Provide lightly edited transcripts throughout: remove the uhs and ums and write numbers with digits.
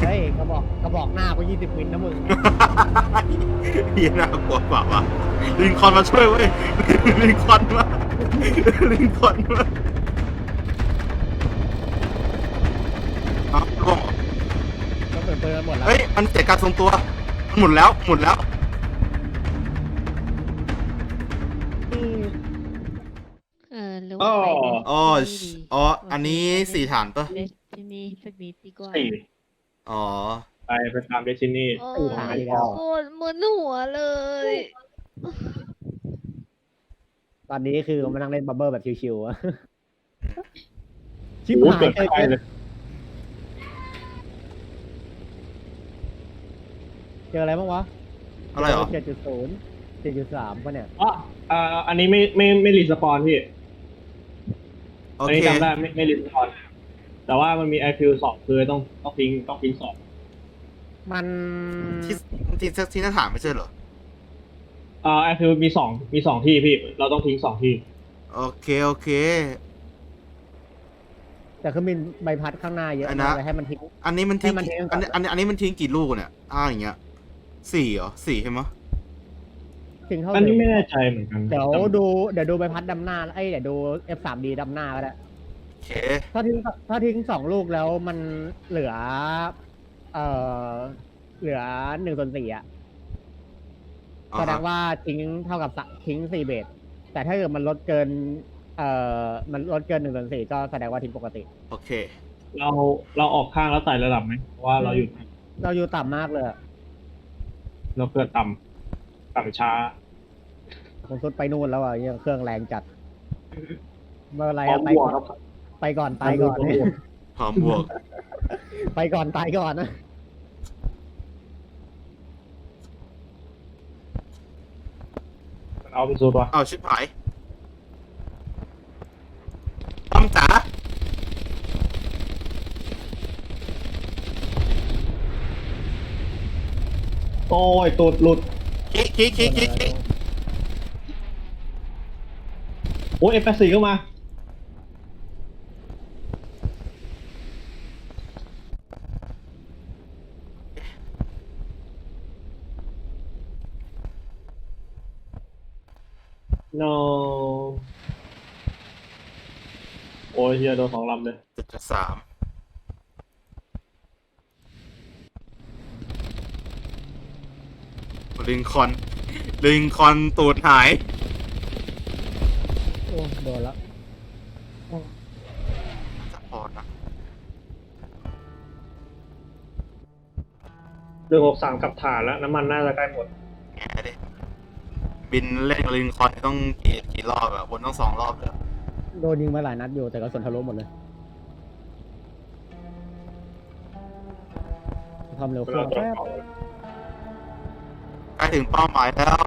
เฮ้ยกระบอกหน้าก็20 วินนะมึงเฮียน่ากลัวกว่าวะลิงคอล์นมาช่วยเว้ยลิงคอล์นมาลิงคอล์นมาครับล่วงก็เปิดเปิดหมดแล้วเฮ้ยมันเสียการทรงตัวหมุนแล้วหมุนแล้วหรือว่าไปอ๋ออ๋ออันนี้4 ฐานปะเดสตินีสักนิดดีกว่าสี่อ๋อไปตามเดซินี่โอ้ 4 ฐานอีกแล้วโคตรมึนหัวเลยตอนนี้คือมานั่งเล่นบับเบิ้ลแบบชิวๆอะชิบโอ้หายเกิดเลยใครเลยเจออะไรบ้างวะอะไรเหรอ 7.0 7.3ป่ะเนี่ยอ๋ออันนี้ไม่รีสปอนพี่โออันเคนี้จำได้ไม่รีสปอนแต่ว่ามันมีไอฟิลสองคือต้องทิ้งสองมันที่หน้าฐานไม่ใช่เหรอไอฟิลมีสองที่พี่เราต้องทิ้ง2 ที่โอเคโอเคแต่คือมีใบพัดข้างหน้าเยอะอันนะเลยให้มันทิ้งอันนี้มันทิ้งให้มันทิ้งก่อนอันนี้มันทิ้งกี่ลูกเนี่ยอย่างเงี้ย4เหรอ4ใช่ไหมะทิ้งเท่าอันนี้เดิมไม่แน่ใจเหมือนกันเดี๋ยวดูใบพัดดำหน้าเดี๋ยวดู F3D ดำหน้าก็ได้โอเคถ้าทิ้ง2 ลูกแล้วมันเหลือ1/4อ่ะแสดงว่าทิ้งเท่ากับทิ้ง4 เบสแต่ถ้าเกิดมันลดเกิน1/4ก็แสดงว่าทิ้งปกติโอเคเราออกข้างแล้วไต่ระดับไหมเพราะว่าเราอยู่เราอยู่ต่ำมากเลยอะเราเกิดต่ำช้าผมสุดไปนู่นแล้วอ่ะยังเครื่องแรงจัดเมื่อไรพร้ออะมไปบวกก่อนครับไปก่อนตายก่อนพร้อมบวกไปก่อนตายก่อนนะเอาเป็นสูตรวะเอาชิบหายป้อมจ๋าโอ้ยตูดหลุดคิกโอ้ย F84 เข้ามา no โอ้ยเฮียโดน2 ลำเลย 7.3ลิงคอล์นตูดหายโอ้โดนแล้วจะพอนะเรื่อง63กับฐานแล้ว น้ำมันน่าจะใกล้หมดแง่ดิบินเล่นกับลิงคอล์นต้องกี่รอบอะวนต้อง2 รอบเลยโดนยิงมาหลายนัดอยู่แต่ก็ส่วนทะลุหมดเลยความเร็วเครื่องแป๊บใกล้ถึงเป้าหมายแล้ว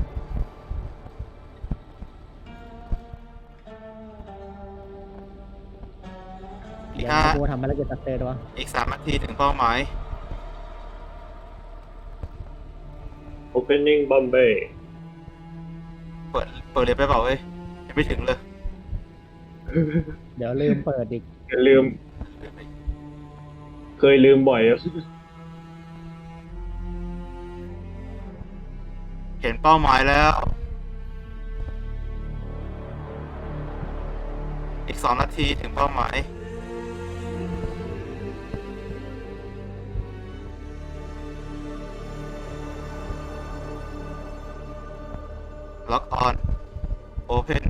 อีเดี๋กยว 5 กูทำภารกิจสเตทวะอีก3 นาทีถึงเป้าหมาย opening Bombay เปิดเลยไปเปล่าเว้ยยังไม่ถึงเลยเดี๋ยวลืมเปิดอีกอย่าลืม เคยลืมบ่อยอะเห็นเป้าหมายแล้ว อีก2 นาทีถึงเป้าหมาย ล็อกออน โอเพน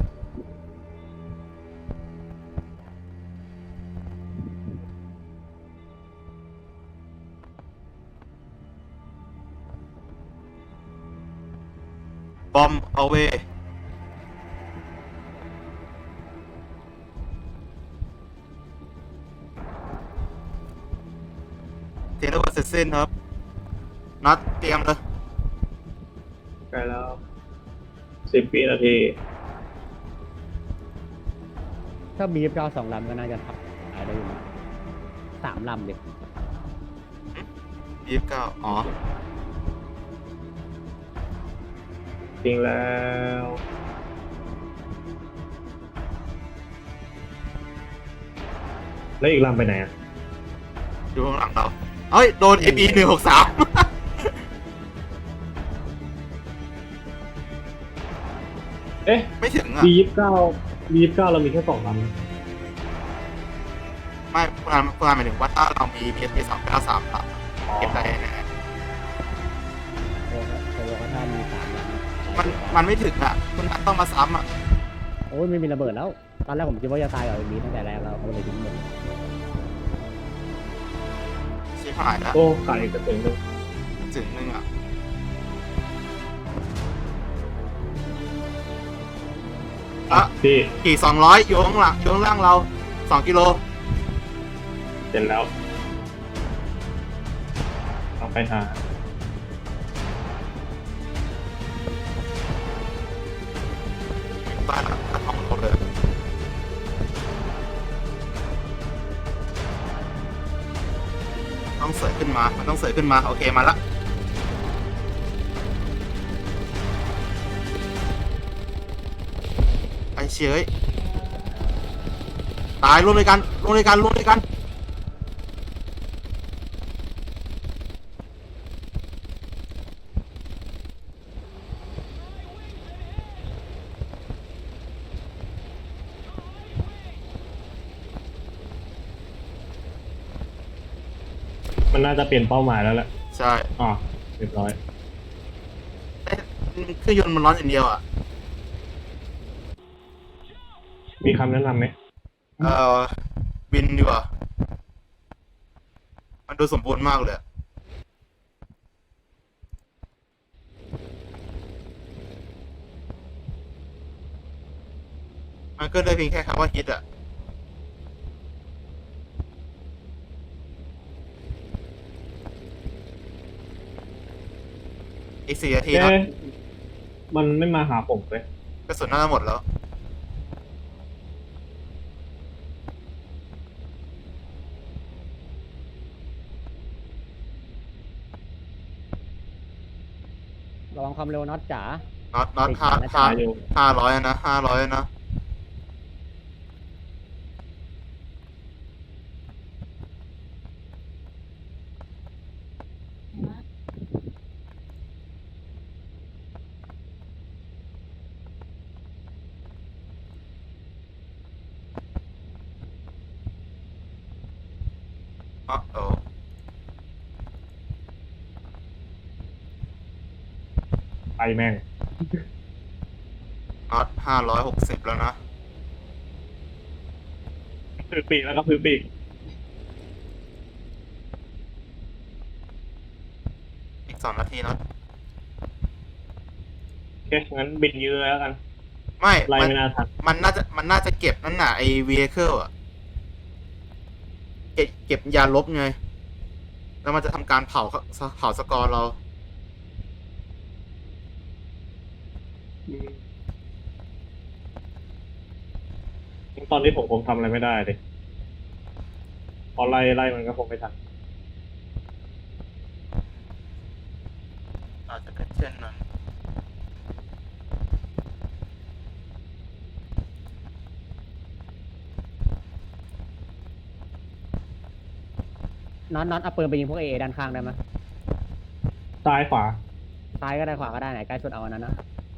บอมเอาเวเทเลวัตเสร็จสิ้นครับ นัดเตรียมเลยใกล้แล้ว10 วินาทีถ้ามี2 ลำก็น่าจะทับตายได้อยู่นะ3 ลำดิ 29อ๋อจริงแล้ว แล้วอีกลำไปไหนอ่ะอยู่ข้างหลังเราเอ้ยโดน FE 163 เอ๊ะไม่ถึงอ่ะ B29 เรามีแค่2 ลำไม่คุณอานหมายถึงว่าถ้าเรามี PSP 293ครับเก็บได้แน่โอ้โหถ้ามี3ลำมันไม่ถึงอ่ะคุณอันต้องมาซ้ำอ่ะโอ้ยไม่มีระเบิดแล้ว ตอนแรกผมคิดว่าจะตายกับมีตั้งแต่แรกแล้วเขาเลยทิ้งหมดชิบหายแล้วโอ้ขาดอีกกระสุนหนึงถึงนึงอ่ะ อ่ะพี่ขี่200อยู่ข้างหลังอยู่ข้างล่างเรา2 กิโลเสร็จแล้วต้องไปหาบ้านหลังกระท่อมเขาเลยต้องเสยขึ้นมา มันต้องเสยขึ้นมา โอเคมาละไอเชยตายร่วมด้วยกันร่วมด้วยกันร่วมด้วยกันมันน่าจะเปลี่ยนเป้าหมายแล้วแหละใช่อ๋อเรียบร้อยเอ๊ะเครื่องยนต์มันร้อนอย่างเดียวอ่ะมีคำแนะนำไหมบินดีกว่า มันดูสมบูรณ์มากเลยอะมันก็ได้เพียงแค่คำว่าฮิตอ่ะ อีก4 นาทีนะเอ๊ะมันไม่มาหาผมเลยกระสุนน่าจะหมดแล้วระวังความเร็วน็อตจ๋าน็อตห้าติดห้านะอยู่ 500นะ500นะ อ๋อโอ้ไปแม่งน็อต560แล้วนะพื้นปีกแล้วก็พื้นปีกอีก2 นาทีน็อตโอเค งั้นบินยื้อแล้วกันไม่ไล่มันไม่น่าทันมันน่าจะเก็บนั่นน่ะไอ้ vehicle อ่ะ เก็บยาลบไง แล้วมันจะทำการเผาสกอร์เราตอนที่ผมทำอะไรไม่ได้เลยพอไล่มันก็คงไม่ทันอาจจะเป็นเช่นนั้นน็อตเอาปืนไปยิงพวกเอด้านข้างได้ไหมซ้ายขวาซ้ายก็ได้ขวาก็ได้ไหนใกล้สุดเอาอันนั้นนะ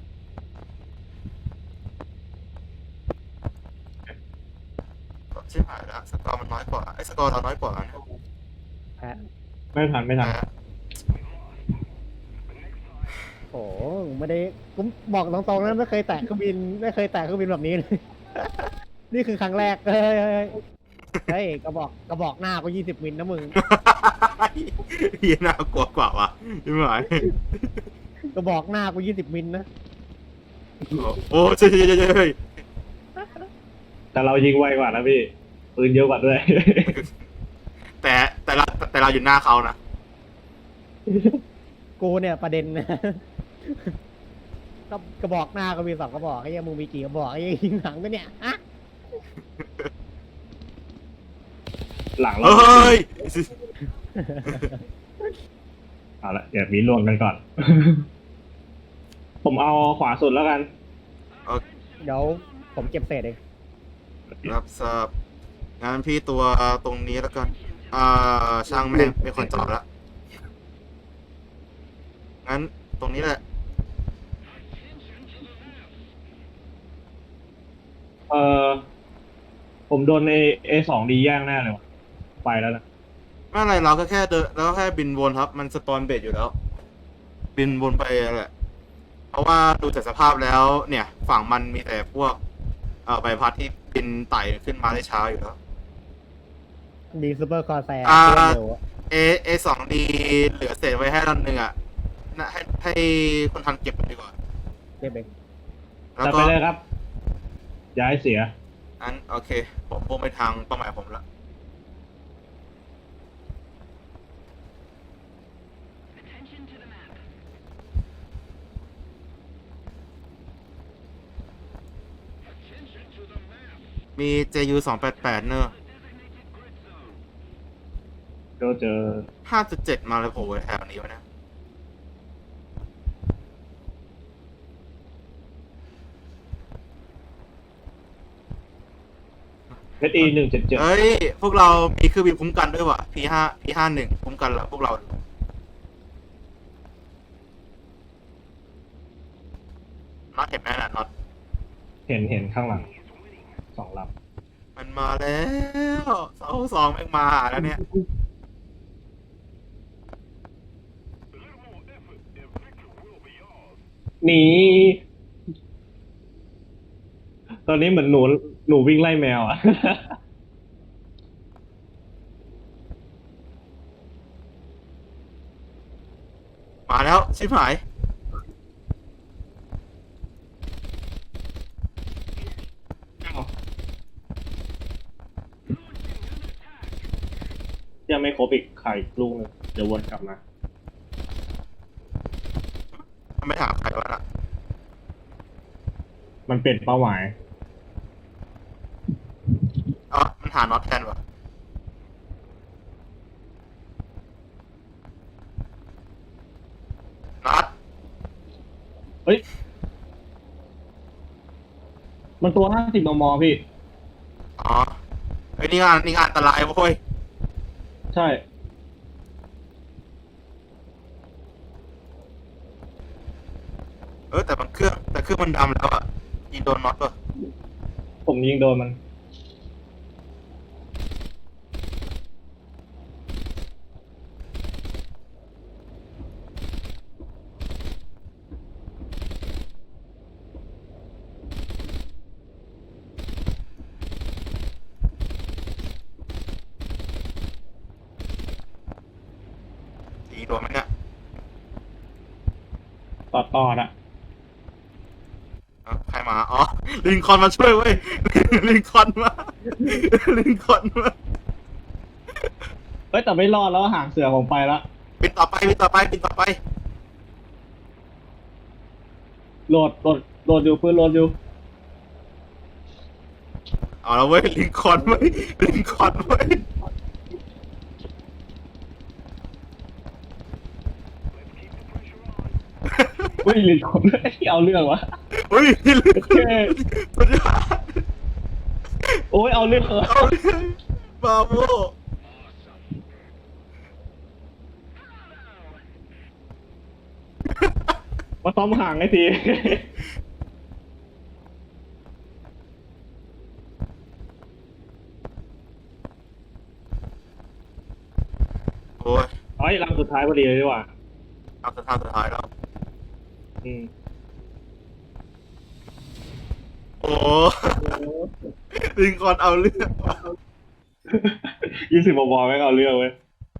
ชิบหายแล้วสกอร์มันน้อยกว่าไอ้สกอร์เราน้อยกว่านะแพ้ไม่ทันแต่โอ้โหไม่ได้กูบอกตรงๆนะไม่เคยแตะเครื่องบินแบบนี้เลย นี่คือครั้งแรกเฮ้ยกระบอกหน้าก็20 มิลนะมึงเฮียน่ากลัวกว่าวะใช่ไหมกระบอกหน้ากู20 มิลนะโอ้ใช่แต่เรายิงไวกว่านะพี่ ปืนเยอะกว่าด้วยแต่เราอยู่หน้าเขานะกูเนี่ยประเด็นนะ ก็กระบอกหน้าก็มี2 กระบอกไอ้เหี้ยังมึงมีกี่กระบอกไอ้เหี้ยังยิงหลังก็เนี่ยอะหลังเราเฮ้ยเอาละเดี๋ยวมีลวงกันก่อน ผมเอาขวาสุดแล้วกันเดี๋ยวผมเก็บเศษเองรับทราบงานพี่ตัวตรงนี้แล้วกันช่างแม่งเป็นคนจอดละงั้นตรงนี้แหละเออผมโดนA2Dแย่งแน่เลยว่ะไปแล้วนะไม่อะไรเราก็แค่เดินเราก็แค่บินวนครับมันสปอนเบสอยู่แล้ว บินวนไปแหละเพราะว่าดูจากสภาพแล้ว เนี่ย ฝั่งมันมีแต่พวกใบพัดที่บินไต่ขึ้นมาได้ช้าอยู่แล้วดีซูเปอร์คอร์แซร์อ่าเร็วอะ A2D เหลือเศษไว้ให้ลำหนึ่งอ่ะนะให้คนทันเก็บไปดีกว่าเก็บเองแล้วแต่ก็ไปเลยครับ อย่าให้เสียอันโอเค ผมพุ่งไปทางเป้าหมายผมแล้ว มี JU 288เนอะก็เจอ 5.7 มาเลยโผล่แถวนี้วะเนี่ย SE177 เฮ้ย พวกเรามีเครื่องบินคุ้มกันด้วยว่ะ P51 คุ้มกันแล้วพวกเราน็อตเห็นไหมน่ะน็อตเห็นข้างหลัง2 ลมันมาแล้ว2แม่งมาหาแล้วเนี่ยำหนีตอนนี้เหมือนหนูวิ่งไล่แมวอ่ะมาแล้ว ชิบหายยังไม่ครบอีกไข่ลูกหนึงเดี๋ยววนกลับมามันไม่ถามใครวะน่ะมันเป็นเป้าหมายอ๋อมันหาน็อตแทนวะน็อตเฮ้ย มันตัว50 มม. พี่อ๋อไอ้ยนี่งานอันตรายเว้ยใช่แต่เครื่องมันดำแล้วอ่ะยิงโดนน็อตป่ะผมยิงโดนมันยิงโดนมันเนี่ยต่ออ่ะใครมา อ๋อ ลินคอล์นมาช่วยเว้ย ลินคอล์นมา ลินคอล์นมาเฮ้ยแต่ไม่รอดแล้วหางเสือผมไปละบินต่อไปโหลดอยู่ปืนโหลดอยู่เอาแล้วเว้ย ลินคอล์นเว้ย ลินคอล์นเว้ยอุ้ยลินคนที่เอาเรื่องวะเฮ้ยลินคอล์นสุดยอดโอ้ยเอาเรื่องวะเอาเลยบราโวมาซ้อมห่างไอ้ทีโอ้ยเฮ้ยลำสุดท้ายพอดีเลยดีกว่าเอาสุดท้ายแล้วอืมโอ้ลินคอล์นเอาเรื่องว่ะ 20 มม. ไม่งเอาเรื่องเว้ย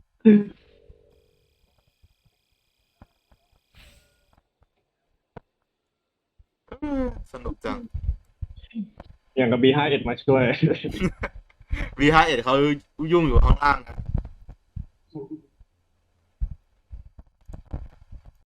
สนุกจังอย่างกับ B51 มาช่วย V51 เขายุ่งอยู่ข้างล่างนะ